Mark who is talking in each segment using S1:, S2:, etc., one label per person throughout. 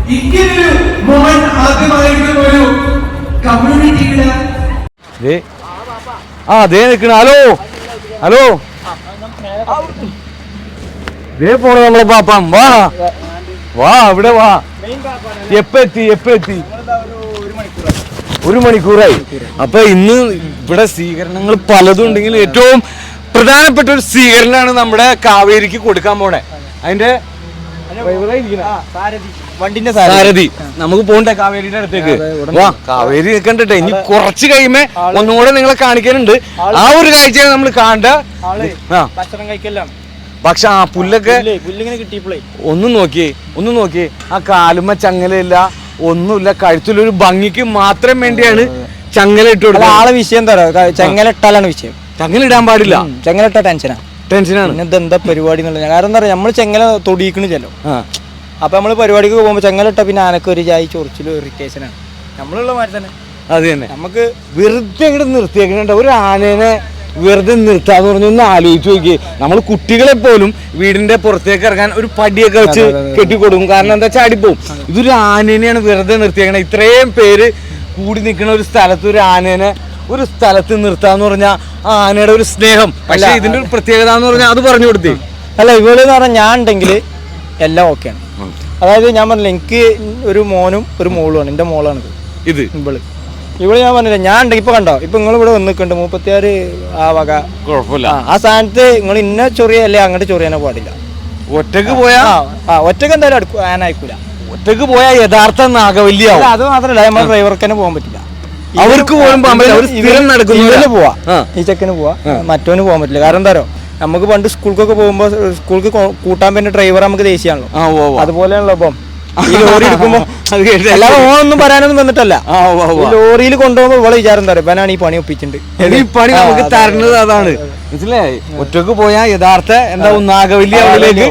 S1: ഇങ്ങനൊരു മൊമെന്റ് ആദ്യമായിട്ട് ഒരു കമ്മ്യൂണിറ്റിയുടെ
S2: ദേ നിക്കണ. ഹലോ ഹലോ ദേ പോണ നമ്മളെ പാപ്പം. വാ വാ ഇവിടെ വാ. എപ്പ എത്തി? 1 മണിക്കൂറായി. അപ്പൊ ഇന്ന് ഇവിടെ സ്വീകരണങ്ങൾ പലതും ഉണ്ടെങ്കിലും ഏറ്റവും പ്രധാനപ്പെട്ട ഒരു സ്വീകരണമാണ് നമ്മുടെ കാവേരിക്ക് കൊടുക്കാൻ പോണേ. അതിന്റെ സാരഥി നമുക്ക് പോണ്ടേ കാവേരിയുടെ അടുത്തേക്ക്. വാ കാവേരി കണ്ടിട്ടെ. ഇനി കുറച്ച് കഴിയുമ്പോ ഒന്നുകൂടെ നിങ്ങളെ കാണിക്കാനുണ്ട്. ആ ഒരു കാഴ്ചയാണ് നമ്മൾ കാണേണ്ട. പക്ഷെ ആ പുല്ലൊക്കെ ഒന്ന് നോക്കിയേ ആ കാലുമ്മ ചങ്ങലയില്ല, ഒന്നുമില്ല. കഴുത്തിലൊരു ഭംഗിക്ക് മാത്രം വേണ്ടിയാണ് ചങ്ങല ഇട്ട് കൊടുക്കുന്നത്.
S3: ആളെ വിഷയം തരാം. ചങ്ങല ഇട്ടാലാണ് വിഷയം.
S2: ചങ്ങല ഇടാൻ പാടില്ല.
S3: ചങ്ങല ഇട്ട ടെൻഷനാണ്. പിന്നെ ഇതെന്താ പരിപാടി എന്നുള്ളത്. കാരണം എന്താ പറയാ, നമ്മള് ചെങ്ങല തൊടിയിക്കണ് ചെല്ലോ. അപ്പൊ നമ്മള് പരിപാടിക്ക് പോകുമ്പോ ചെങ്ങല ഇട്ട പിന്നെ ആനക്ക് ഒരു ജായി ചൊറിച്ചിലും ഇറിറ്റേഷനാണ്. നമ്മളുള്ള മാതിരി തന്നെ
S2: അത് തന്നെ.
S3: നമുക്ക്
S2: വെറുതെ ഇങ്ങോട്ട് നിർത്തിയേക്കണ ഒരു ആനേനെ വെറുതെ നിർത്താന്ന് പറഞ്ഞു. ഒന്ന് ആലോചിച്ച് നോക്കിയേ. നമ്മൾ കുട്ടികളെ പോലും വീടിന്റെ പുറത്തേക്ക് ഇറങ്ങാൻ ഒരു പടിയൊക്കെ വെച്ച് കെട്ടിക്കൊടുക്കും. കാരണം എന്താ ചാടിപ്പോവും. ഇതൊരു ആനേനെയാണ് വെറുതെ നിർത്തിയേക്കണേ. ഇത്രയും പേര് കൂടി നിൽക്കുന്ന ഒരു സ്ഥലത്ത് ഒരു ആനേനെ ഒരു സ്ഥലത്ത് നിർത്താന്ന് പറഞ്ഞാൽ ആ ആനയുടെ ഒരു സ്നേഹം. പക്ഷെ ഇതിന്റെ ഒരു പ്രത്യേകത എന്ന് പറഞ്ഞാൽ അത് പറഞ്ഞു കൊടുത്തേ.
S3: അല്ല, ഇവള് എന്ന് പറഞ്ഞാൽ ഞാൻ ഉണ്ടെങ്കിൽ എല്ലാം ഓക്കെയാണ്. അതായത് ഞാൻ പറഞ്ഞില്ല, എനിക്ക് ഒരു മോനും ഒരു മോളുമാണ്. എന്റെ മോളാണ് ഇത്. ഇവള് ഞാൻ പറഞ്ഞില്ല, ഞാൻ ഉണ്ടെങ്കിൽ ഇപ്പൊ കണ്ടോ, ഇപ്പൊ നിങ്ങൾ ഇവിടെ വന്ന് നിൽക്കുന്നുണ്ട് 36 ആ വക
S2: കുഴപ്പമില്ല.
S3: ആ സ്ഥാനത്ത് നിങ്ങൾ ഇന്ന ചൊറിയല്ലേ അങ്ങോട്ട് ചൊറിയാനോ പാടില്ല.
S2: ഒറ്റക്ക് പോയാ
S3: ഒറ്റക്ക് എന്തായാലും ആനായിക്കൂല.
S2: ഒറ്റക്ക് പോയാൽ യഥാർത്ഥ നാഗവല്ലിയാവും.
S3: അത് മാത്രമല്ല, നമ്മൾ ഡ്രൈവർക്ക് തന്നെ പോകാൻ പറ്റില്ല.
S2: അവർക്ക് പോലും
S3: പോവാ, ഈ ചെക്കന് പോവാ, മറ്റവന് പോകാൻ പറ്റില്ല. കാരണം എന്താ പറയുക, നമുക്ക് പണ്ട് സ്കൂൾക്കൊക്കെ പോകുമ്പോ സ്കൂൾക്ക് കൂട്ടാൻ പറ്റുന്ന ഡ്രൈവർ നമുക്ക് ദേശീയമാണല്ലോ. അതുപോലെയാണല്ലോ ഇപ്പം ഈ ലോറി എടുക്കുമ്പോ. അല്ലാതെ ഓണൊന്നും പറയാനൊന്നും വന്നിട്ടല്ല. ലോറിയിൽ കൊണ്ടുപോകുമ്പോ ഇവിടെ വിചാരം എന്താ പറയുക, ഇവനാണ് ഈ പണി ഒപ്പിച്ചിട്ടുണ്ട്.
S2: ഈ പണി നമുക്ക് തരുന്നത് അതാണ്. മനസ്സിലായി. ഒറ്റക്ക് പോയാൽ യഥാർത്ഥ എന്താ നാഗവല്ലി അവളിലേക്ക്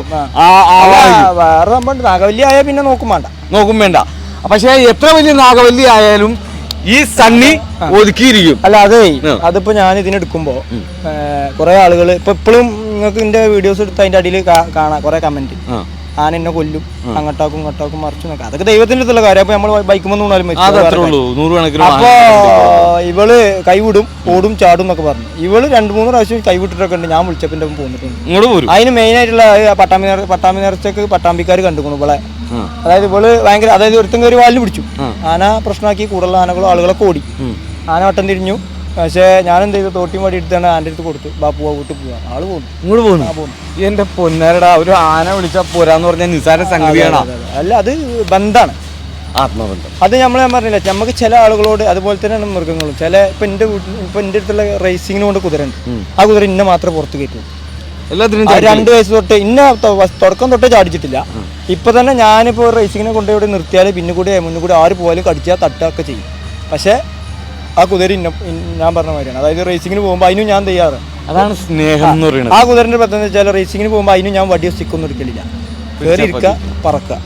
S3: വേറെ സംഭവം. നാഗവല്ലി ആയാൽ പിന്നെ നോക്കും വേണ്ട.
S2: പക്ഷെ എത്ര വലിയ നാഗവല്ലി ആയാലും ഈ സണ്ണി ഒതുക്കിയിരിക്കും.
S3: അല്ല അതെ, അതിപ്പോ ഞാൻ ഇതിനെടുക്കുമ്പോ കുറെ ആളുകൾ ഇപ്പൊ ഇപ്പോഴും നിങ്ങൾക്ക് ഇതിന്റെ വീഡിയോസ് എടുത്ത് അതിന്റെ അടിയിൽ കാണാം കുറെ കമന്റ്. ആന എന്നെ കൊല്ലും, അങ്ങോട്ടാക്കും ഇങ്ങോട്ടാക്കും മറിച്ചു നോക്കാം. അതൊക്കെ ദൈവത്തിന്റെ അടുത്തുള്ള കാര്യം. അപ്പൊ നമ്മൾ ബൈക്കുമ്പോൾ വീണാലും അപ്പൊ ഇവള് കൈവിടും, ഓടും, ചാടും എന്നൊക്കെ പറഞ്ഞു. ഇവള് 2-3 പ്രാവശ്യം കൈവിട്ടിട്ടൊക്കെ ഉണ്ട്. ഞാൻ വിളിച്ചപ്പോ പോന്നിട്ടുണ്ട്. അതിന് മെയിൻ ആയിട്ടുള്ള പട്ടാമ്പി നേർച്ചക്ക് പട്ടാമ്പിക്കാർ കണ്ടുപോണു ഇവളെ. അതായത് ഇവള് ഭയങ്കര, അതായത് ഒരുത്തം കയറി വാലിന് പിടിച്ചു. ആന പ്രശ്നമാക്കി കൂടുതലുള്ള ആനകളും ആളുകളൊക്കെ ഓടി. ആന വട്ടം തിരിഞ്ഞു. പക്ഷേ ഞാൻ എന്ത് ചെയ്തു, തോട്ടി മടി എടുത്താണ് ആൻ്റെ അടുത്ത് കൊടുത്തു. ബാപ്പുവാ വീട്ടിൽ പോവാ. ആള് പോകുന്നു,
S2: ഇങ്ങോട്ട് പോകുന്നു. എന്റെ പൊന്നാരടാ, ഒരു ആന വിളിച്ചാ പോരാന്ന് പറഞ്ഞാൽ നിസാര സംഗതിയാണ്.
S3: അല്ല, അത് ബന്ധാണ്,
S2: ആത്മബന്ധം.
S3: അത് ഞാൻ പറഞ്ഞില്ല, നമുക്ക് ചില ആളുകളോട് അതുപോലെ തന്നെയാണ് മൃഗങ്ങളും. ഇപ്പൊ എന്റെ അടുത്തുള്ള റേസിങ്ങിന് കൊണ്ട് കുതിരണ്ട്. ആ കുതിര ഇന്ന മാത്രമേ പുറത്ത് കയറ്റുള്ളൂ.
S2: എല്ലാത്തിനും
S3: 2 വയസ്സ് തൊട്ട് ഇന്ന തുടക്കം തൊട്ടേ ചാടിച്ചിട്ടില്ല. ഇപ്പൊ തന്നെ ഞാനിപ്പോ റേസിങ്ങിനെ കൊണ്ടുപോയി നിർത്തിയാൽ പിന്നെ കൂടി മുന്നിൽ കൂടി ആര് പോയാലും കടിച്ചാൽ തട്ടൊക്കെ ചെയ്യും. പക്ഷെ ആ കുതിര ഞാൻ പറഞ്ഞ മാതിരിയാണ്. അതായത് റേസിങ്ങിന് പോകുമ്പോൾ അതിനും ഞാൻ തയ്യാറ്.
S2: അതാണ് സ്നേഹം എന്ന് പറയുന്നത്.
S3: ആ കുതിരന്റെ പ്രത്യേകത വെച്ചാൽ റേസിങ്ങിന് പോകുമ്പോൾ അതിനും ഞാൻ വടിയോ സ്റ്റിക്കൊന്നും എടുക്കലില്ല. കയറി ഇരിക്കുക, പറക്കുക.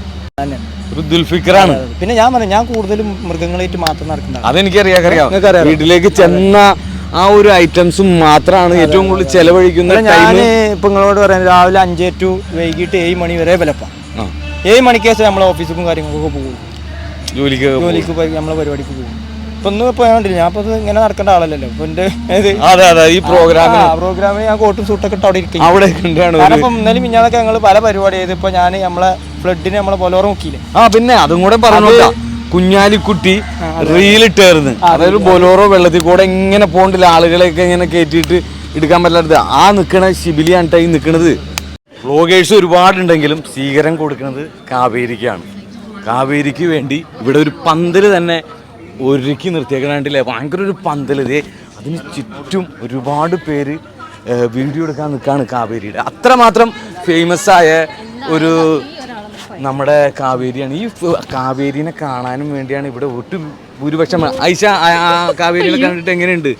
S3: പിന്നെ ഞാൻ പറഞ്ഞു, ഞാൻ കൂടുതലും മൃഗങ്ങളായിട്ട് മാത്രം നടക്കുന്നത്.
S2: അതെനിക്കറിയാം. വീട്ടിലേക്ക് ചെന്ന ആ ഒരു ഐറ്റംസും മാത്രമാണ് ഏറ്റവും കൂടുതൽ ചെലവഴിക്കുന്നത്.
S3: ഞാൻ ഇപ്പൊ നിങ്ങളോട് പറയാം, രാവിലെ 5 to വൈകിട്ട് 7 മണി വരെ വിലപ്പാ. 7 മണിക്ക് ശേഷം നമ്മളെ ഓഫീസിലും കാര്യങ്ങൾക്കൊക്കെ പോകും, ജോലിക്ക് നമ്മളെ പരിപാടിക്ക് പോകും. ഇപ്പൊ ഒന്നും ഇപ്പൊ ഞാൻ ഇപ്പൊ ഇങ്ങനെ നടക്കേണ്ട ആളല്ലല്ലോ. ഇപ്പൊ
S2: ഈ
S3: പ്രോഗ്രാമിന് ഞാൻ കോട്ടും സൂട്ടൊക്കെ ഇട്ട് അവിടെ ഇരിക്കും. കാരണം ഇപ്പൊ ഇന്നലെ മിഞ്ഞാന്നൊക്കെ ഞങ്ങൾ പല പരിപാടി ചെയ്ത്. ഇപ്പൊ ഞാൻ നമ്മളെ ഫ്ലഡിന് നമ്മളെ ബൊലോറ മുക്കിയില്ലേ.
S2: പിന്നെ അതും കൂടെ പറഞ്ഞു, കുഞ്ഞാലിക്കുട്ടി റീലിട്ടായിരുന്നു. അതായത് ബൊലോറോ വെള്ളത്തിൽ കൂടെ ഇങ്ങനെ പോണ്ടില്ല, ആളുകളെയൊക്കെ ഇങ്ങനെ കയറ്റിയിട്ട് എടുക്കാൻ പറ്റാത്തത്. ആ നിൽക്കണ ശിബിലിയാണ് ഈ നിൽക്കുന്നത്. വ്ളോഗേഴ്സ് ഒരുപാടുണ്ടെങ്കിലും സ്വീകരണം കൊടുക്കുന്നത് കാവേരിക്കാണ്. കാവേരിക്ക് വേണ്ടി ഇവിടെ ഒരു പന്തൽ തന്നെ ഒരുക്കി നിർത്തിയേക്കണാണ്ടില്ലേ. ഭയങ്കര ഒരു പന്തൽ. അതിന് ചുറ്റും ഒരുപാട് പേര് വീഡിയോ എടുക്കാൻ നിൽക്കുകയാണ് കാവേരിയുടെ. അത്രമാത്രം ഫേമസ് ആയ ഒരു നമ്മുടെ കാവേരിയാണ്. ഈ കാവേരിനെ കാണാനും വേണ്ടിയാണ് ഇവിടെ ഭൂരിപക്ഷം. ഐഷ, കാവേരിനെ കണ്ടിട്ട് എങ്ങനെയുണ്ട്?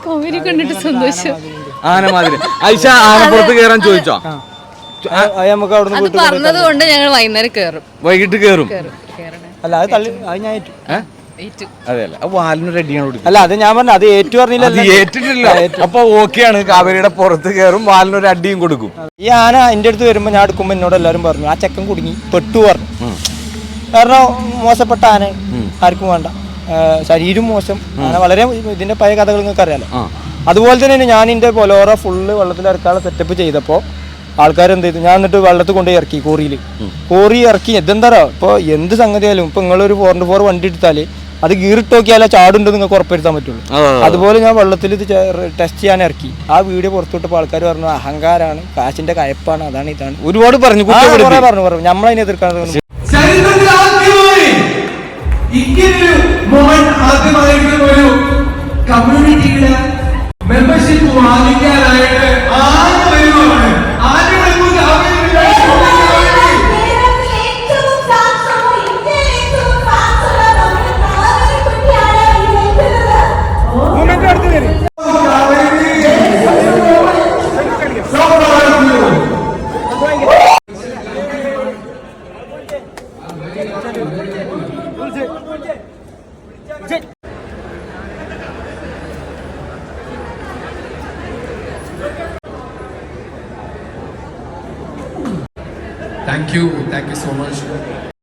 S2: ആനമാതിരി. ഐഷ, ആനപ്പുറത്ത് കയറാൻ ചോദിച്ചോ?
S4: പറഞ്ഞതുകൊണ്ട് ഞങ്ങൾ വൈകിട്ട് കയറും.
S3: അല്ല, അത് തള്ളി, അത് ഞാൻ
S2: അതെയല്ല, വാലിനൊരു അടിയാണ് കൊടുക്കുന്നത്.
S3: അല്ല, അത് ഞാൻ പറഞ്ഞു, അത് ഏറ്റു പറഞ്ഞില്ല.
S2: ഏറ്റിട്ടില്ല. അപ്പൊ ഓക്കെയാണ്. കാവേരിയുടെ പുറത്ത് കയറും, വാലിനൊരു അടിയും കൊടുക്കും.
S3: ഈ ആന എന്റെ അടുത്ത് വരുമ്പോ ഞാൻ എടുക്കുമ്പോ എന്നോട് എല്ലാവരും പറഞ്ഞു, ആ ചെക്കൻ കുടുങ്ങി പെട്ടു പറഞ്ഞു. കാരണം മോശപ്പെട്ട ആന ആർക്കും വേണ്ട, ശരീരം മോശം അങ്ങനെ വളരെ ഇതിന്റെ പഴയ കഥകൾ നിങ്ങൾക്ക് അറിയാലോ. അതുപോലെ തന്നെ ഞാൻ എൻ്റെ ബൊലോറ ഫുള്ള് വെള്ളത്തിലിറക്കാനുള്ള സെറ്റപ്പ് ചെയ്തപ്പോൾ ആൾക്കാർ എന്ത് ചെയ്തു, ഞാൻ എന്നിട്ട് വെള്ളത്തിൽ കൊണ്ടുപോയി ഇറക്കി കോറി ഇറക്കി. ഇതെന്താ ഇപ്പോൾ എന്ത് സംഗതിയായാലും ഇപ്പോൾ നിങ്ങളൊരു 4x4 വണ്ടി എടുത്താൽ അത് ഗീറിട്ട് നോക്കിയാലേ ചാടുണ്ട് നിങ്ങൾക്ക് ഉറപ്പുവരുത്താൻ പറ്റുള്ളൂ. അതുപോലെ ഞാൻ വെള്ളത്തിൽ ഇത് ടെസ്റ്റ് ചെയ്യാൻ ഇറക്കി. ആ വീഡിയോ പുറത്തുവിട്ടപ്പോൾ ആൾക്കാർ പറഞ്ഞു അഹങ്കാരാണ്, കാശിന്റെ കയപ്പാണ്, അതാണ് ഇതാണ്
S2: ഒരുപാട് പറഞ്ഞു
S3: നമ്മളതിനെ എതിർക്കാൻ
S1: ചരിത്രത്തിൽ ആദ്യമായി ഇങ്ങനൊരു മൊമെന്റ് ആദ്യമായിട്ട് ഒരു കമ്മ്യൂണിറ്റിയുടെ മെമ്പർഷിപ്പ് വാങ്ങിക്കാനായിട്ട് ആര് വരുവാണ്, ആര് വരുമ്പോൾ
S5: Thank you so much.